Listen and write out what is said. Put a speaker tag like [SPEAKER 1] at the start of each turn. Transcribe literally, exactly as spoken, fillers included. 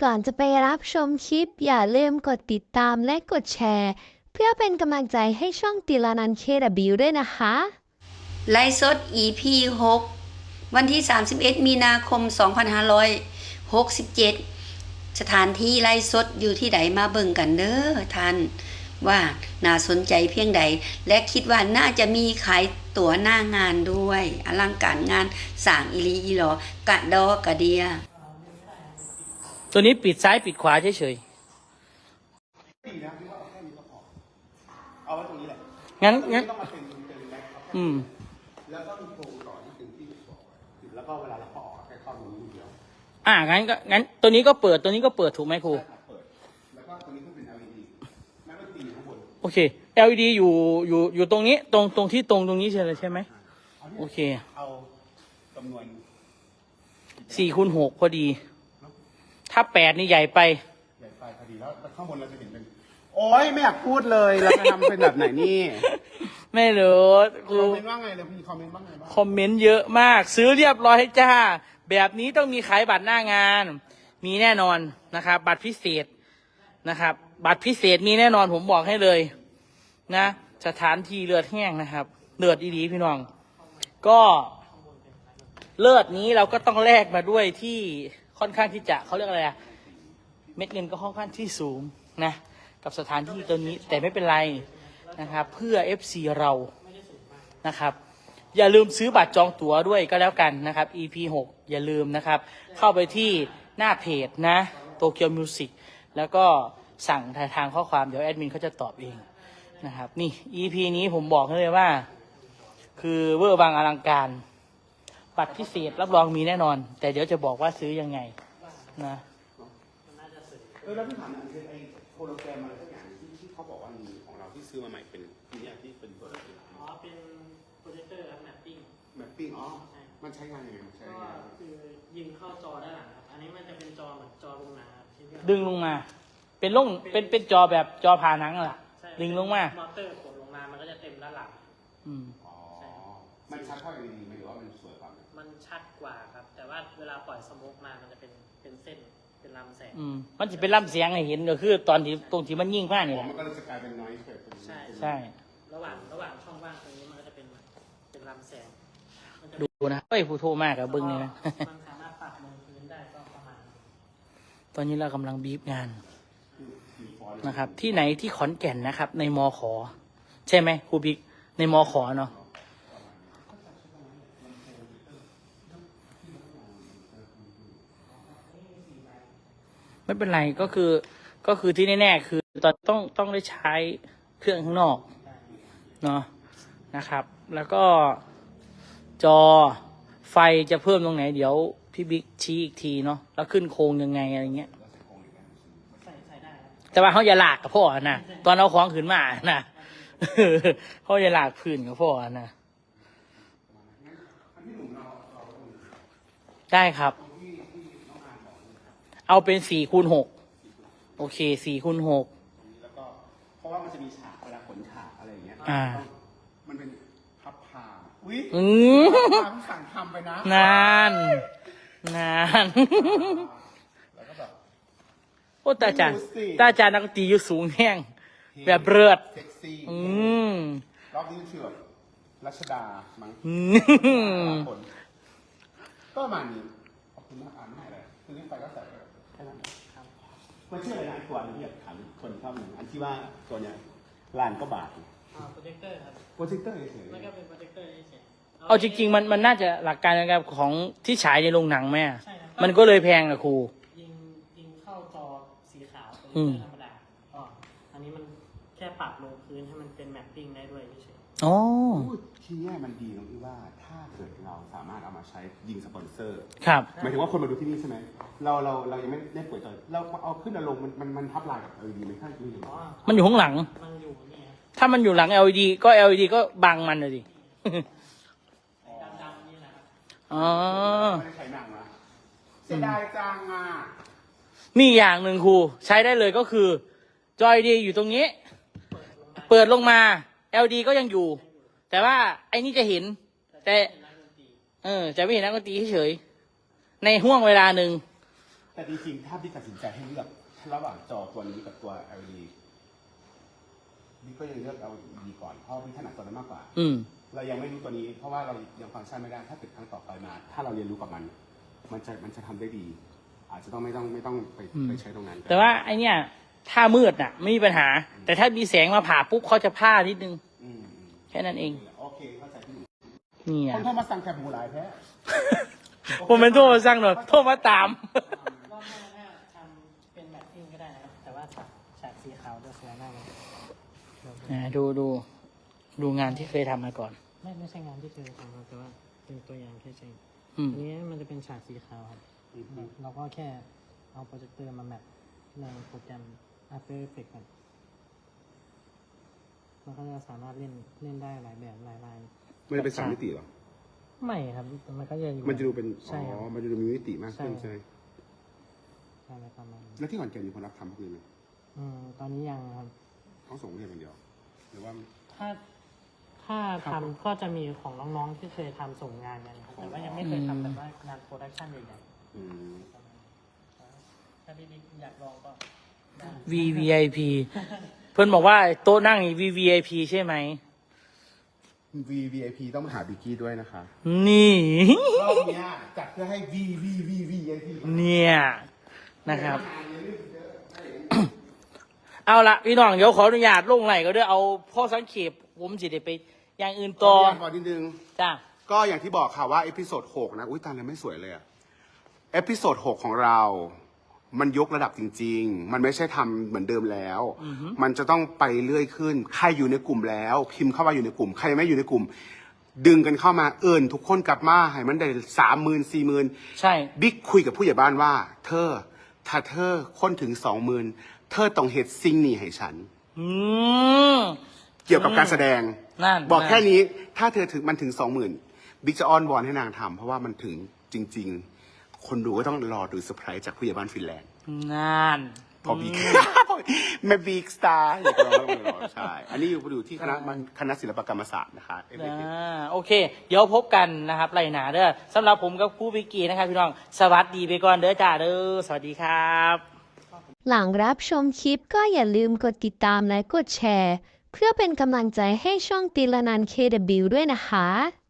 [SPEAKER 1] ก่อนจะไปรับชมคลิปอย่าลืมกดติดตามและกดแชร์เพื่อเป็นกำลังใจให้ช่องติลานัน เค ดับเบิลยู ด้วยนะคะ
[SPEAKER 2] ไลฟ์สด อี พี หก วันที่ สามสิบเอ็ด มีนาคม สองพันห้าร้อยหกสิบเจ็ด สถานที่ไลฟ์สดอยู่ที่ใดมาเบิ่งกันเด้อท่านว่าน่าสนใจเพียงใดและคิดว่าน่าจะมีขายตั๋วหน้างานด้วยอลังการงานสร้างอีหลีอีหลอกะดอกะเดีย
[SPEAKER 3] ตัวนี้ปิดซ้ายปิดขวาเฉย
[SPEAKER 4] ดีนะพี่ว่าเอาแค่นี้ก็พอเอาไว้ตรงนี้แหละ
[SPEAKER 3] ๆงั้นงั้น
[SPEAKER 4] ต้องมาเป็นเป็นแบ็คครับ
[SPEAKER 3] อืม
[SPEAKER 4] แล้วก็มีโครงต่อที่ถึงที่บอกไว้แล้วก็เวลาเราพอออกแค่เข้าตรงนี้เดียว
[SPEAKER 3] อ่างั้นก็งั้นตัวนี้ก็เปิดตัวนี้ก็เปิดถูกไหมครู
[SPEAKER 4] เปิดแล้วก็ตรงนี้ก็เป็น แอล อี ดี แม้ว่าตีอยู่ข้างบน
[SPEAKER 3] โอเค แอล อี ดี อยู่อยู่อยู่ตรงนี้ตรงตรงที่ตรงตรงนี้ใช่ไหมใช่ไหมโอเค
[SPEAKER 4] เอาจำนวน
[SPEAKER 3] สี่คูณหกพอดีถ้าแปดนี่ใหญ่ไป
[SPEAKER 4] ใหญ่ไปพอดีแล้วข้างบนเราจะเห็นเป็นโอ้ยไม่อยากพูดเลยเราจะทำเป็นแบบไหนนี่
[SPEAKER 3] ไม่รู้ครู
[SPEAKER 4] คอมเมนต์ว่าไงเลยพี่คอมเมนต์ว่าไงบ้าง
[SPEAKER 3] คอมเมนต์เยอะมากซื้อเรียบร้อยจ้าแบบนี้ต้องมีขายบัตรหน้างานมีแน่นอนนะครับบัตรพิเศษนะครับบัตรพิเศษมีแน่นอนผมบอกให้เลยนะสถานที่เลือดแห้งนะครับเลือดดีๆพี่น้องก็เลือดนี้เราก็ต้องแลกมาด้วยที่ค่อนข้างที่จะเขาเรียกอะไรอะเม็ดเงินก็ค่อนข้างที่สูงนะกับสถานที่ตัวนี้แต่ไม่เป็นไรนะครับเพื่อ เอฟ ซี เรานะครับอย่าลืมซื้อบัตรจองตั๋วด้วยก็แล้วกันนะครับ อี พี หก อย่าลืมนะครับเข้าไปที่หน้าเพจนะโตเกียวมิวสิกแล้วก็สั่งทางข้อความเดี๋ยวแอดมินเขาจะตอบเองนะครับนี่ อี พี นี้ผมบอกให้เลยว่าคือเวอร์วังอลังการบัตรพิเศษรับรองมีแน่นอนแต่เดี๋ยวจะบอกว่าซื้อยังไงนะ
[SPEAKER 4] เออแล้วพี่ถามอันนี้ไอ้โฮโลแกรมอะไรสักอย่างที่ที่เขาบอกว่ามีของเราที่ซื้อมาใหม่เป็นนี่ที่เป็นตัว
[SPEAKER 5] อ๋อเป็นโปรเจคเตอร์ครับแมปปิ้ง
[SPEAKER 4] แมปปิ้งอ๋อมันใช้งานยังไงมันใช้
[SPEAKER 5] ก็คือยิงเข้าจอด้านหลังครับอันนี้มันจะเป็นจอเหมือนจอลงหนังครับ
[SPEAKER 3] ดึงลงมาเป็นลงเป็นเป็นจอแบบจอผ่าหนังล่ะดึงลงมาม
[SPEAKER 5] อเตอร์กดลงมามันก็จะเต็มด้านหลัง
[SPEAKER 3] อืม
[SPEAKER 4] อ๋อมันชัดเท่า แอล อี ดี ไหมหรือว่ามันสวยกว่า
[SPEAKER 5] มันชัดกว่าครับแต่ว่าเวลาปล่อยสโมกมามันจะเป็นเป็นเส้นเป็นลำแสง
[SPEAKER 3] อืมมันจะเป็นลำเสียงให้เห็นก็คือตอนที่ตรงที่มันยิ่งมากนี่แหละ
[SPEAKER 4] มันก็จะกลายเป็นน้อยเกิด
[SPEAKER 5] ใช่
[SPEAKER 3] ใช่
[SPEAKER 5] ระหว่างระหว่างช่องว่างตรงนี้มันก็จะเป็นเป็นลำแสง
[SPEAKER 3] ดูนะเฮ้ยผู้โทรมากกับบึ้งเนี่ยนะ
[SPEAKER 5] มันสามารถปรับลงพื้นได้ก็ประมาณ
[SPEAKER 3] ตอนนี้เรากำลังบีบงานนะครับที่ไหนที่ขอนแก่นนะครับในมอขอใช่ไหมครูบิ๊กในมอขอเนาะไม่เป็นไรก็คือก็คือที่แน่ๆคือตอนต้องต้องได้ใช้เครื่องข้างนอกเนาะนะครับแล้วก็จอไฟจะเพิ่มตรงไหนเดี๋ยวพี่บิ๊กชี้อีกทีเนาะแล้วขึ้นโครงยังไงอะไรเงี้ยแต่ว่าเขาอย่าหลากกับพ่อนะตอนเอาของขึ้นมานะเขาอย่าหลากพื้นกับพ่อนะได้ครับเอาเป็นสี่คูณหกโอเคสี่คูณหก
[SPEAKER 4] แล้วก็เพราะว่ามันจะมีฉากเวลาขนฉากอะไรอย่างเงี้ย
[SPEAKER 3] อ่า
[SPEAKER 4] มันเป็นพับผ้าอุ้ย
[SPEAKER 3] อืม
[SPEAKER 4] สั่งทำไปนะ
[SPEAKER 3] นานนาน
[SPEAKER 4] แล้วก็แบบ
[SPEAKER 3] โอ้ตาจานตาจานนักตีอยู่สูงแห้งแบบเลือด
[SPEAKER 4] เซ็กซี่
[SPEAKER 3] อืม
[SPEAKER 4] รอบนี้ชื่อแบบรัชดามั้งคนก็ประมาณนี้ขอบคุณมากอ่านไม่เลยคือนี่ไปก็ใส่แค่นั้นมันชื่ออะไรนะตัวนี้ที่แบบถามคนชอบหนึ่งอันที่ว่าตัวเนี้ยล้านก็บาท
[SPEAKER 5] อ่าโปรเจคเตอร์ครับ
[SPEAKER 4] โปรเจคเตอร์เฉย
[SPEAKER 5] ๆมันก็เป็นโปรเจคเตอร์เฉย
[SPEAKER 3] ๆเอาจริงๆมันมันน่าจะหลักการนะครับของที่ฉายในโรงหนังแม่มันก็เลยแพงอะครู
[SPEAKER 5] ยิงยิงเข้าจอสีขาวเป็นธรรมดาอ๋ออันนี้มันแค่ปรับลงพื้นให้มันเป็นแมปปิ้งได้ด้วยเฉย
[SPEAKER 3] ๆอ๋อ
[SPEAKER 4] ที่นี่มันดีตรงที่ว่าถ้าเกิดเราสามารถเอามาใช้ยิงสปอนเซอร์
[SPEAKER 3] ครับ
[SPEAKER 4] หมายถึงว่าคนมาดูที่นี่ใช่ไหมเราเราเรายังไม่ได้เปิดจอเราเอาขึ้นอารมณ์มันมันมันทับลายกับ แอล อี ดี ไม่ใช่คือ
[SPEAKER 3] มันอยู่ข้างหลัง
[SPEAKER 5] มันอยู่นี่
[SPEAKER 3] ถ้ามันอยู่หลัง แอล อี ดี ก็ แอล อี ดี ก็บังมันเลยดิ
[SPEAKER 5] ดำๆนี่แหละ
[SPEAKER 3] อ๋อ
[SPEAKER 4] ไม่ได้ใช้หนังนะเสียดายจังอ่ะ
[SPEAKER 3] มีอย่างหนึ่งครูใช้ได้เลยก็คือจอยดีอยู่ตรงนี้เปิดลงมา แอล อี ดี ก็ยังอยู่แต่ว่าไอ้นี่จะเห็นแต่เออจะไม่เห็นนักดนตรีเฉยในห่วงเวลาหนึ่ง
[SPEAKER 4] แต่จริงๆถ้าพี่ตัดสินใจให้เลือกระหว่างจอตัวนี้กับตัว แอล อี ดี พี่ก็ยังเลือก แอล อี ดี ก่อนเพราะพี่ถนัดตัวนั้นมากกว่า
[SPEAKER 3] อืม
[SPEAKER 4] เรายังไม่รู้ตัวนี้ เพราะว่าเรายังฟังก์ชันไม่ได้ถ้าเกิดครั้งต่อไปมา ถ้าเราเรียนรู้กับมัน มันจะมันจะทำได้ดี อาจจะต้องไม่ต้องไม่ต้องไป
[SPEAKER 3] อืม
[SPEAKER 4] ไปใช้ตรงนั้น
[SPEAKER 3] แต่ว่าไอเนี้ยถ้ามืดน่ะ ไม่มีปัญหา แต่ถ้ามีแสงมาผ่าปุ๊บเขาจะพลาดนิดนึง
[SPEAKER 4] อืมอืม
[SPEAKER 3] แค่นั้นเอง
[SPEAKER 4] โอเคเข้าใจพี่หนุ่ม
[SPEAKER 3] นี่
[SPEAKER 4] ค
[SPEAKER 3] อ่ะ
[SPEAKER 4] นโทรมาสั่งแคบหมูหลายแท้
[SPEAKER 3] ผมเป็นโทรมาสั่งหน่อยโทรมาตาม
[SPEAKER 5] รอบหน้าถ้าทำเป็นแมทติ้งก็ได้นะครับแต่ว่าฉากฉากสีขาวจะสวยมากเลย
[SPEAKER 3] อ่าดูดูดูงานที่เคยทำมาก่อน
[SPEAKER 5] ไม่ไม่ใช่งานที่เคยทำครับแต่ว่าเป็นตัวอย่างแค่เฉย
[SPEAKER 3] อืม
[SPEAKER 5] อันนี้มันจะเป็นฉากสีขาวครับ
[SPEAKER 4] อืม
[SPEAKER 5] เราก็แค่เอาโปรเจคเตอร์มาแมทในโปรแกรม After Effects ครับมันก็จะสามารถเล่นเล่นได้หลายแบบหลายลาย
[SPEAKER 4] มันจะเป็นสามมิติเหรอ
[SPEAKER 5] ไม่ครับมันก็จะอยู่
[SPEAKER 4] มันจะดูเป็น
[SPEAKER 5] ใช่
[SPEAKER 4] อ๋
[SPEAKER 5] ค
[SPEAKER 4] อ
[SPEAKER 5] รับ
[SPEAKER 4] มันจะดูมีมิติมากขึ้น
[SPEAKER 5] ใช่
[SPEAKER 4] ใช่ไหม
[SPEAKER 5] ใช่ประมาณนั้น
[SPEAKER 4] แล้วที่ขอนแก่นมีคนรับทำพวกนี้ไหม
[SPEAKER 5] อืมตอนนี้ยังครับ
[SPEAKER 4] เขาส่งเรียนคนเดียว หรือว่า
[SPEAKER 5] ถ้าถ้าทำก็จะมีของน้องๆที่เคยทำส่งงานกันครับแต่ว่ายังไม่เคยทำแบบว่างานโปรดักชันใหญ่
[SPEAKER 4] อืม
[SPEAKER 5] ๆถ้าพี่บิ๊กอยากลองก็ได้
[SPEAKER 3] V V I P เพื่อนบอกว่าโต๊ะนั่งนี่ V V I P ใช่ไหม
[SPEAKER 4] V V I P ต้องมาหาบิกกี้ด้วยนะคะ
[SPEAKER 3] นี่
[SPEAKER 4] รอบเนี้ยจัดเพื่อให้ V V V V I P
[SPEAKER 3] เนี่ยนะครับ เอาละพี่น้องเดี๋ยวขออนุญาตลงไหลก็ด้วยเอาพ่อสังเขปผมสิได้ไปอย่างอื่น
[SPEAKER 4] ต่
[SPEAKER 3] ต่
[SPEAKER 4] อ
[SPEAKER 3] อ
[SPEAKER 4] ก่อนนิดนึง
[SPEAKER 3] จ้า
[SPEAKER 4] ก็อย่างที่บอกค่ะว่าเอพิโซดหกนะ อุ้ยตาเลยไม่สวยเลยอะเอพิโซดหกของเรา มันยกระดับจริง ๆ มันไม่ใช่ทำเหมือนเดิมแล้ว มันจะต้องไปเรื่อยขึ้น ใครอยู่ในกลุ่มแล้ว พิมพ์เข้ามาอยู่ในกลุ่ม ใครไม่อยู่ในกลุ่ม ดึงกันเข้ามาเอิญทุกคนกลับมาให้มันได้สามหมื่นสี่หมื่น
[SPEAKER 3] ใช่
[SPEAKER 4] บิ๊กคุยกับผู้ใหญ่บ้านว่า เธอ ถ้าเธอค้นถึงสองหมื่นเธอต้องเฮ็ดสิ่งนี้ให้ฉัน
[SPEAKER 3] อืม
[SPEAKER 4] เกี่ยวกับการแสดง
[SPEAKER 3] นั่น
[SPEAKER 4] บอก
[SPEAKER 3] นั่น
[SPEAKER 4] แค่นี้ ถ้าเธอถึงมันถึงสองหมื่นบิ๊กจะอ้อนวอนให้นางทำเพราะว่ามันถึงจริง ๆ คนดูก็ต้องรอดูเซอร์ไพรส์จากผู้ใหญ่บ้านฟินแลนด์
[SPEAKER 3] นั่น
[SPEAKER 4] พอบิ๊ก แม่บิ๊กสตาร์อยากรอแล้วรอใช่ อันนี้อยู่อยู่ที่คณะมันคณะศิลปกรรมศาสตร์นะคะ
[SPEAKER 3] อ่าโอเค เดี๋ยวพบกันนะครับไรหนาเด้อสำหรับผมกับครูบิกกี้นะครับพี่น้อง สวัสดีไปก่อนเด้อจ้าเด้อสวัสดีครับ
[SPEAKER 1] หลังรับชมคลิปก็อย่าลืมกดติดตามและกดแชร์ เพื่อเป็นกำลังใจให้ช่องติลานัน เค ดับเบิลยู ด้วยนะคะ